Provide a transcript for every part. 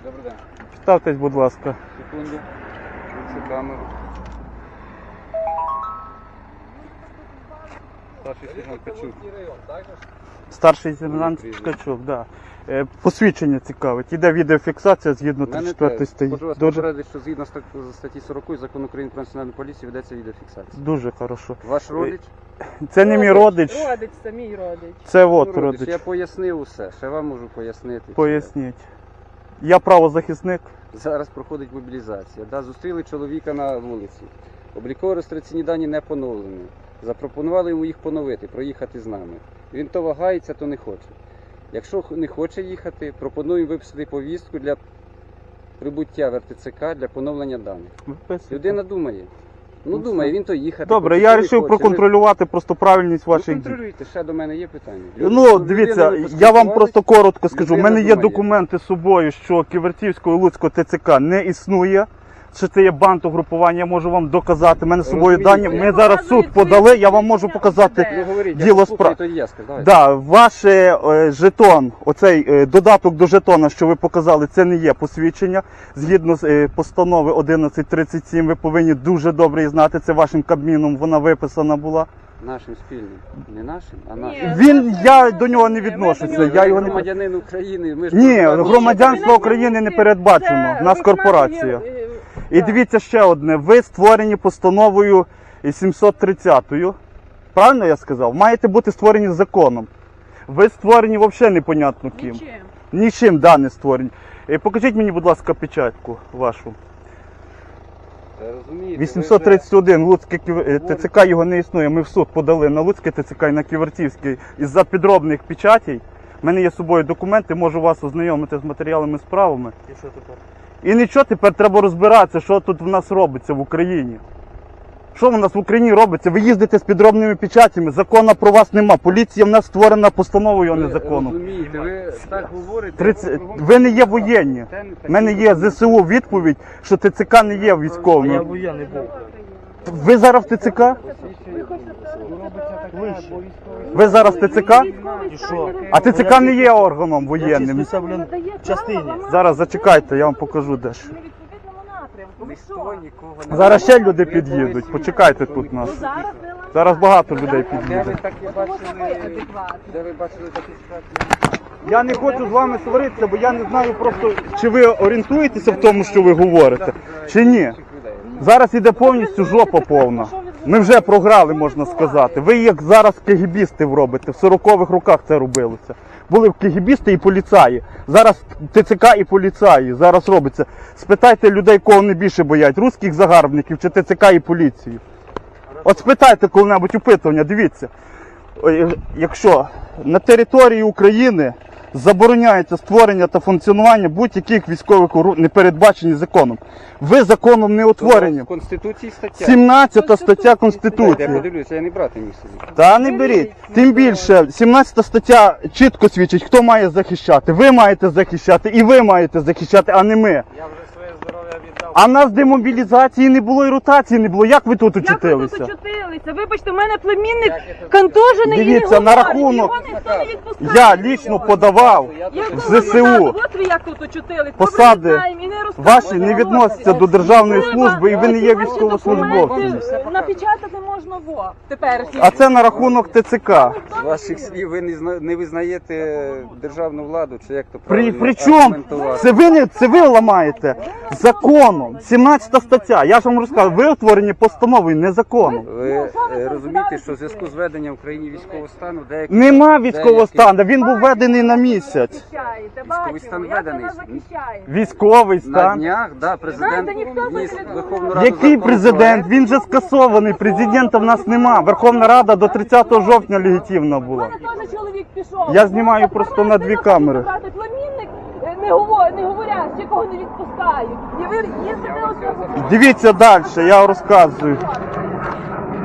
Добрий день. Ставтесь, будь ласка. Секунду. Включу камеру. Старший сержант Качук. Старший сержант Ткачук, да. Посвідчення цікавить. Іде відеофіксація згідно 34 статті. Хочу вас попередити, що згідно статті 40 Закону України про національну поліцію ведеться відеофіксація. Дуже хорошо. Ваш родич? Це не мій родич. Родич, це мій родич. Це от родич. Я пояснив усе, ще вам можу пояснити. Поясніть. Я правозахисник. Зараз проходить мобілізація. Да, зустріли чоловіка на вулиці. Обліково-реєстраційні дані не поновлені. Запропонували йому їх поновити, проїхати з нами. Він то вагається, то не хоче. Якщо не хоче їхати, пропонуємо виписати повістку для прибуття в РТЦК для поновлення даних. Людина думає. Ну думає, він то їхати. Добре, хоче, я то не вирішив хоче. проконтролювати просто правильність Ви ваших дій. контролюйте, ще до мене є питання. Ну, дивіться, я вам просто коротко скажу. У людина мене є думає. документи з собою, що Ківерцівського і Луцького ТЦК не існує. Що це є бандугрупування, я можу вам доказати. У мене з собою Розумієте. дані. Ми зараз в суд подали, я вам можу показати Ну говоріть, діло я справ. тоді я скажу. Да, ваш жетон, оцей додаток до жетона, що ви показали, це не є посвідчення. Згідно з постанови 1137, ви повинні дуже добре її знати. Це вашим Кабміном вона виписана була. Нашим спільним. Не нашим, а Ні. нашим. Я до нього не відношуся. Я його не Громадянин України. Ми ж Ні, просто- громадянство України не передбачено. У нас корпорація. І дивіться ще одне. Ви створені постановою 730-ю. Правильно я сказав? Маєте бути створені законом. Ви створені взагалі непонятно ким. Нічим. Нічим, да, не створені. Покажіть мені, будь ласка, печатку вашу. Розумієте, 831, Луцьке ТЦК його не існує. Ми в суд подали на Луцьке ТЦК і на Ківертівський із-за підробних печатей. У мене є з собою документи, можу вас ознайомити з матеріалами справами. І що тепер? І нічого, тепер треба розбиратися, що тут в нас робиться в Україні. Що в нас в Україні робиться? Ви їздите з підробними печатями, закону про вас нема. Поліція в нас створена постановою, а не законом. Розумієте, ви так говорите. 30... Ви не є воєнні. У мене є ЗСУ відповідь, що ТЦК не є Я військовим. воєнний був. Ви зараз в ТЦК? Ви зараз в ТЦК? І що? А ТЦК не є органом воєнним. Числюся, блін, в частині. Зараз зачекайте, я вам покажу дещо. Ми відповідному напрямку. Ви Ніхто що? нікого не Зараз ще люди під'їдуть. Почекайте тут нас. Ну зараз ви Зараз багато людей Де ви під'їде. такі Тому бачили? що ви адекватні. Де ви бачили такі ситуації? Я не хочу з вами сваритися, бо я не знаю просто, чи ви орієнтуєтеся в тому, що ви говорите, чи ні. Зараз іде повністю жопа повна. Ми вже програли, можна сказати. Ви як зараз кегібістів робите, в 40-х роках це робилося. Були кегібісти і поліцаї. Зараз ТЦК і поліцаї. Зараз робиться. Спитайте людей, кого не більше боять, русських загарбників чи ТЦК і поліцію. От спитайте коли-небудь опитування, дивіться. Якщо на території України забороняється створення та функціонування будь-яких військових не передбачені законом. Ви законом не утворені. В Конституції стаття. 17 стаття Я Конституції. подивлюся, я не брати міг собі. Та не беріть. Тим більше, 17 стаття чітко свідчить, хто має захищати. Ви маєте захищати і ви маєте захищати, а не ми. Я вже своє здоров'я віддав. А нас демобілізації не було і ротації не було. Як ви тут Як ви тут очутилися? очутилися? Вибачте, в мене племінник контужений і не Дивіться, на говорить. рахунок- Його ніхто не відпускає. Я лічно подавав Як в ви ЗСУ. назад? От ви як тут очутились. Посади Добре, знаємо, і не розказуйте. Ваші не відносяться до державної служби і ви не є Ваші військовослужбовцем. документи Напечатати можна во теперішні. А це на рахунок ТЦК. З ваших слів ви не визнаєте державну владу, чи як то При правильно чому? аргументувати? Це ви ламаєте законом. 17 стаття. Я ж вам розказав, ви утворені постановою, не законом. Ви розумієте, що в зв'язку з введенням в Україні військового стану деякі... Нема військового стану, він був введений на місяць. Захищаєте, Військовий стан бачимо, як ви введений. нас захищаєте. Військовий На стан. днях, да, президент Знаєте, ніхто вніс не в Верховну Раду Який законопроект. президент? Він же скасований. Президента в нас нема. Верховна Рада до 30 жовтня легітимна У була. мене теж чоловік пішов. Я знімаю просто на 2 камери. Племінник не говорять, якого не відпускають. І ви їздите оце. Дивіться далі, я розказую.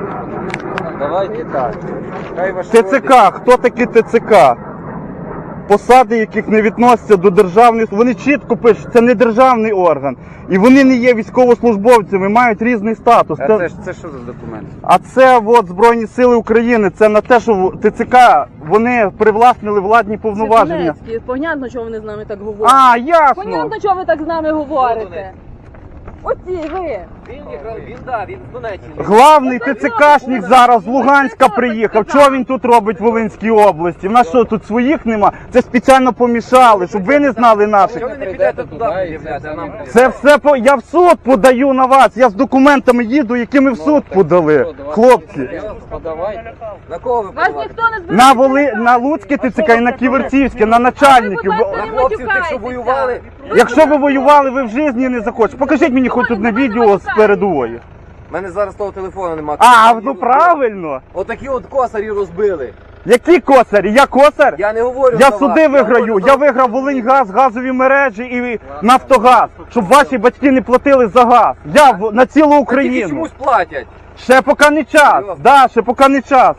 Давайте так. Хай ваш ТЦК, хто такі ТЦК? посади, яких не відносяться до державних, вони чітко пишуть, це не державний орган. І вони не є військовослужбовцями, мають різний статус. А це що за документ? А це от Збройні Сили України, це на те, що ТЦК, вони привласнили владні повноваження. Понятно, чого вони з нами так говорять. А, ясно. Понятно, чого ви так з нами говорите. Оці ви. Він з Донеччини. Главний ТЦКшник зараз з Луганська приїхав. Чого він тут робить в Волинській області? В нас що, тут своїх нема? Це спеціально помішали, щоб ви не знали наших. Чого ви не підете туди пред'являти, а нам Це все я в суд подаю на вас. Я з документами їду, які ми в суд подали. Хлопці. Подавайте. На кого ви Вас подавали? ніхто не збирає. На Луцьке ТЦК і на Ківерцівське, на начальників. На хлопців, тих, що воювали? Якщо ви воювали, ви в житті не захочете. Покажіть мені хоч одне відео з передової. У мене зараз того телефону немає. А, ну правильно. Отакі от косарі розбили. Які косарі? Я косар? Я не говорю Я за суди вас. виграю. говорю Я за- виграв Волиньгаз, газові мережі і Нафтогаз, щоб ваші батьки не платили за газ. Я на цілу Тільки Україну. чомусь платять. Ще поки не час. Серйозно? Да, ще поки не час.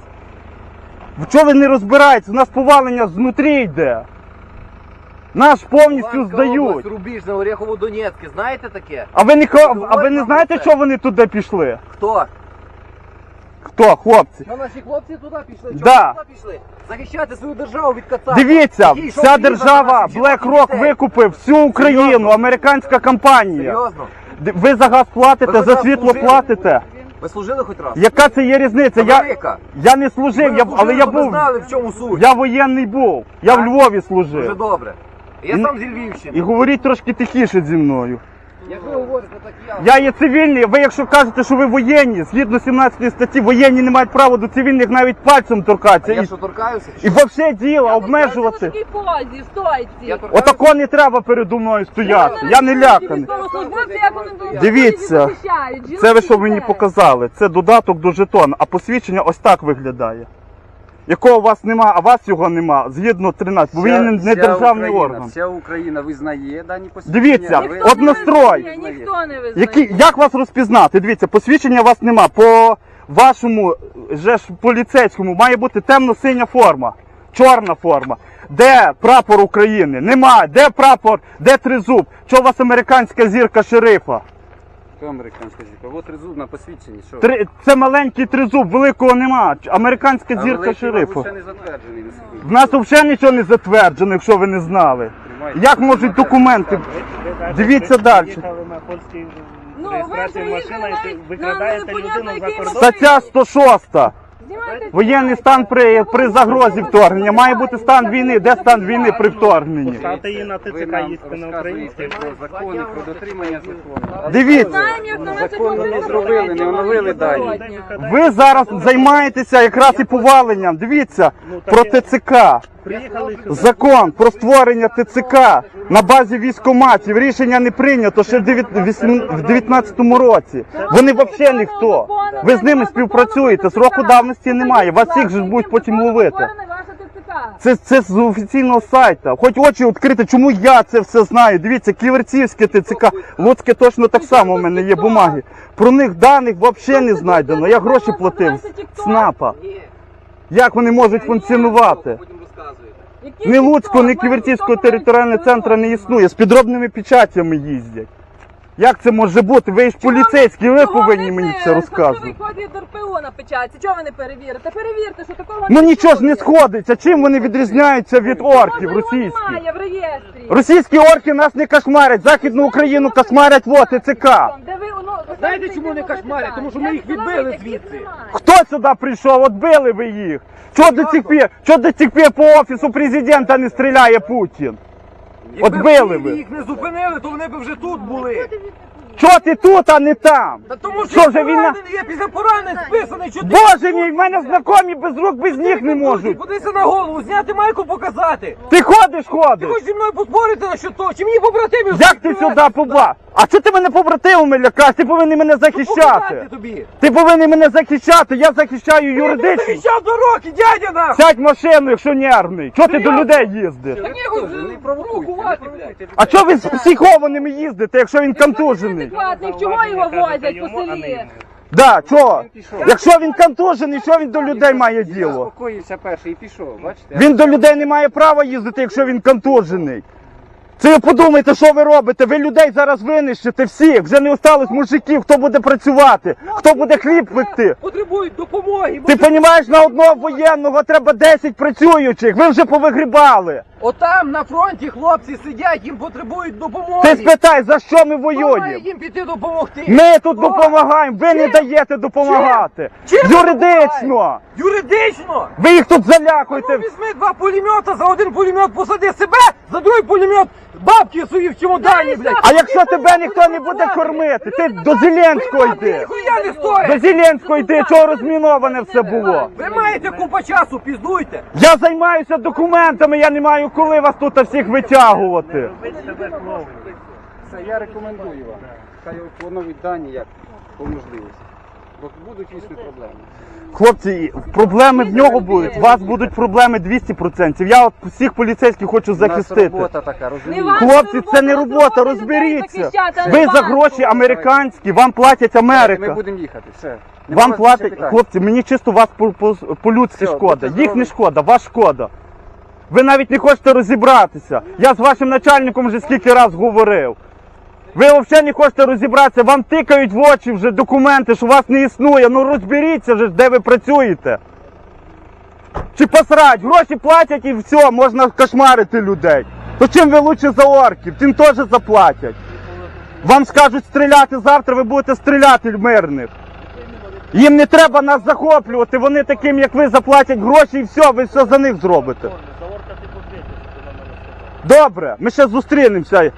В чого ви не розбираєтесь? У нас повалення знутрі йде. Наш повністю Луганська здають. область, Рубіжне, Орехово-Донецьке. Знаєте таке? А ви не знаєте, що вони туди пішли? Хто? Хто, хлопці? Що наші хлопці туди пішли? Чому Да. туди пішли? Захищати свою державу від кацапів. Дивіться, Який йшов вся війна держава за наших BlackRock жінок і дітей. викупив всю Україну, Серйозно? американська компанія. Серйозно? Ви за газ платите, Ви за хоч раз світло служили? платите. Ви служили хоч раз? Яка це є різниця? Велика. Я не служив, Ви але я служили, ви був. знали, в чому суть. Я воєнний був. Я в Так? Львові Дуже служив. добре. Я І- сам зі Львівщини. І говоріть трошки тихіше зі мною. Як ви говорите, так я. Я є цивільний, ви якщо кажете, що ви воєнні, згідно 17 статті, воєнні не мають права до цивільних навіть пальцем торкатися. Я І, що торкаюся? і взагалі діло обмежувати. В такій позі, стойці. Я торкаюся? Отако не треба передо мною стояти. Я не ляканий. Військовослужбовці, як вони тут Дивіться, захищають, жінок це ви і що мені дітей. показали? Це додаток до жетона, а посвідчення ось так виглядає. Якого у вас нема, а у вас його нема, згідно 13, бо він не державний орган. Вся Україна визнає дані посвідчення. Дивіться, а ви- Ніхто не однострой. визнає, Ніхто не визнає. Як вас розпізнати? Дивіться, посвідчення у вас нема. По вашому же ж поліцейському має бути темно-синя форма, чорна форма. Де прапор України? Нема. Де прапор? Де тризуб? Чого у вас американська зірка шерифа? Хто американська зірка? От тризуб на посвідченні. Що? Це маленький тризуб, великого нема. Американська А зірка великий, шерифа. мабуть, ще не затверджений на секунду. В нас взагалі нічого не затверджено, якщо ви не знали. Як можуть документи? Дивіться далі. Їхали на польській Ну, ви реєстрації приїхали машина, і навіть ви викрадаєте на непонятно людину за який кордон. Стаття 106. Знімайте Воєнний стан при загрозі вторгнення. Має бути стан війни. Де стан війни при вторгненні? Поставте її на Ви ТЦК, нам їсти на розказуєте українській. про закони, про дотримання закону. Дивіться. Знаємо, як на Законно не зробили, не оновили дані. Ви зараз займаєтеся якраз і поваленням. Дивіться, про ТЦК. Приїхали сюди. Закон про створення ТЦК на базі військкоматів. Рішення не прийнято ще в 19-му році. Вони взагалі ніхто. Ви з ними співпрацюєте, сроку давності немає. Вас всіх же будуть потім ловити. Це з офіційного сайту. Хоч очі відкрити, чому я це все знаю. Дивіться, Ківерцівське ТЦК, Луцьке точно так само, у мене є бумаги. Про них даних взагалі не знайдено. Я гроші платив з СНАПа. Як вони можуть функціонувати? Потім розказуєте. Ні Луцького, ні Ківерцівського територіального центру не існує. З підробними печатями їздять. Як це може бути? Ви ж поліцейські, ви повинні мені це розказувати. Виходить до РПО на печатці. Чого ви не перевірите? Перевірте, що такого Ну нічого ж не існує. сходиться. Чим вони відрізняються від орків Його російських? немає в реєстрі. Російські орки нас не кошмарять, Західну Україну кошмарять вот ТЦК. Де ви, Знаєте, чому не кошмарять? Тому що ми їх відбили звідси. Хто сюди прийшов? От били ви їх. Чого до цих пір по офісу президента не стріляє Путін? От Якби били в Києві ви. їх не зупинили, то вони б вже тут були. Чого ти тут, а не там? Та тому Що що вже війна? поранений, я після поранень списаний, що ти... Боже мій, в мене знайомі без рук, без ніг не можуть. Подивися на голову, зняти майку, показати. Ти ходиш, Ти ходиш. хочеш зі мною поспорити на що то? Чи мені побратимів? Як ти сюди побла? А чого ти мене побратимами лякаєш? Ти повинен мене захищати. Показати тобі. Ти повинен мене захищати, я захищаю Ти юридично. захищав до роки, дядя нахуй! Сядь в машину, якщо нервний. Чого ти до людей їздиш? Та ні, Не провокуйте, не провокуйте. А чого ви з психованими їздите, якщо він контужений? Адекватний, чого його возять по селі? Да, чого? Він пішов. Якщо він контужений, що він до людей має Він діло? заспокоївся перший і пішов, бачите? Він до людей не має права їздити, якщо він контужений. Це ви подумайте, що ви робите? Ви людей зараз винищите всіх. Вже не осталось мужиків, хто буде працювати, хто буде хліб пекти. Потребують допомоги. Ти розумієш, на одного воєнного треба 10 працюючих. Ви вже повигрібали. Отам на фронті хлопці сидять, їм потребують допомоги. Ти спитай, за що ми Хто має воюємо? їм піти допомогти? Ми тут Хто? допомагаємо, ви не даєте допомагати. Чим ви Юридично. Юридично! Ви їх тут Ну, залякуєте. візьми 2 пулемета, за один пулемет посади себе, за другий пулемет бабки свої в чемодані, блядь. А якщо тебе ніхто не буде кормити, ти до Зеленського йди. Ніхуя не До стоїть! Зеленського йди, чого розміноване все було. Ви маєте купа часу, піздуйте! Я займаюся документами, я не маю коли вас тут всіх витягувати. Робіть себе хлопці. Це я рекомендую вам. Хай поновіть дані як по можливості. Бо будуть дійсно проблеми. Хлопці, проблеми в нього будуть, у вас будуть проблеми 200%. Я от всіх поліцейських хочу У нас захистити. робота така, розумієте? ваша Хлопці, робота, це не нас робота, робота людей розберіться. захищати, а не Ви за вас. гроші американські, вам платять Ми Америка. будемо їхати, все. Нема Вам вас більше платять, питань. хлопці, мені чисто вас по-людськи Все, шкода. будьте Їх не здорові. шкода, вас шкода. Ви навіть не хочете розібратися. Я з вашим начальником вже скільки раз говорив. Ви взагалі не хочете розібратися, вам тикають в очі вже документи, що вас не існує. Ну розберіться вже, де ви працюєте. Чи посрать, гроші платять і все, можна кошмарити людей. То чим ви лучше за орків, тим теж заплатять. Вам скажуть стріляти завтра, ви будете стріляти в мирних. Їм не треба нас захоплювати, вони таким, як ви, заплатять гроші і все, ви все за них зробите. За орка ти посвітиш, що нам треба сказати. Добре, ми ще зустрінемося.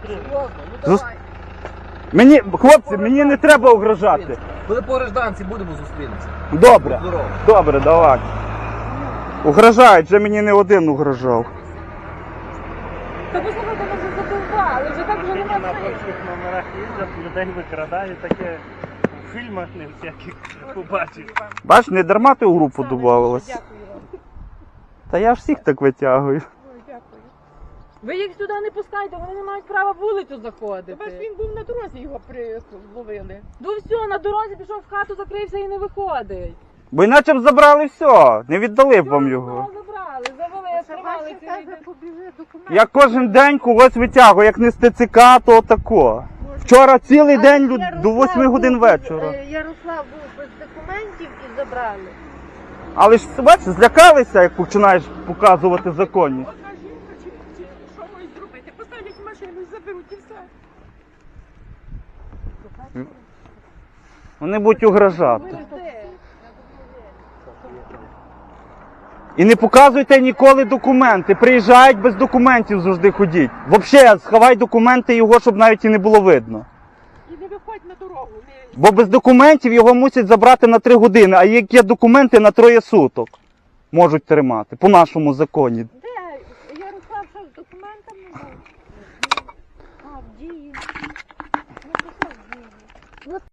Мені, хлопці, мені не треба угрожати. Коли по гражданці будемо зустрінемося. Добре, Здорово. добре, давай. Угрожають, вже мені не один угрожав. Та послухайте, ми вже задовбали, вже так вже Тільки нема на сенсу. польських номерах їздять, людей викрадають, таке в фільмах не всяких побачиш. Бач, не дарма ти у групу додавалась. Та я ж всіх так витягую. Ви їх сюди не пускайте, вони не мають права вулицю заходити. Бач, він був на дорозі, його зловили. Ну все, на дорозі пішов в хату, закрився і не виходить. Бо іначе б забрали все, не віддали б вам його. Забрали, завели, тримали цілий день. побіжи документ. Я кожен день когось витягую, як не з ТЦК, то тако. Вчора цілий день до 8 годин вечора. Ярослав був без документів і забрали. Але ж бачиш, злякалися, як починаєш показувати законність. Одна жінка чи що можуть зробити? Поставлять машину і заберуть і все. Вони будуть угрожати. І не показуйте ніколи документи. Приїжджають без документів завжди ходіть. Взагалі, сховай документи його, щоб навіть і не було видно. І не виходь на дорогу. Бо без документів його мусять забрати на 3 години, а як є документи на 3 суток можуть тримати, по нашому законі. Де? Ярослав що з документами був? А, в дії. Ну, то що в дії?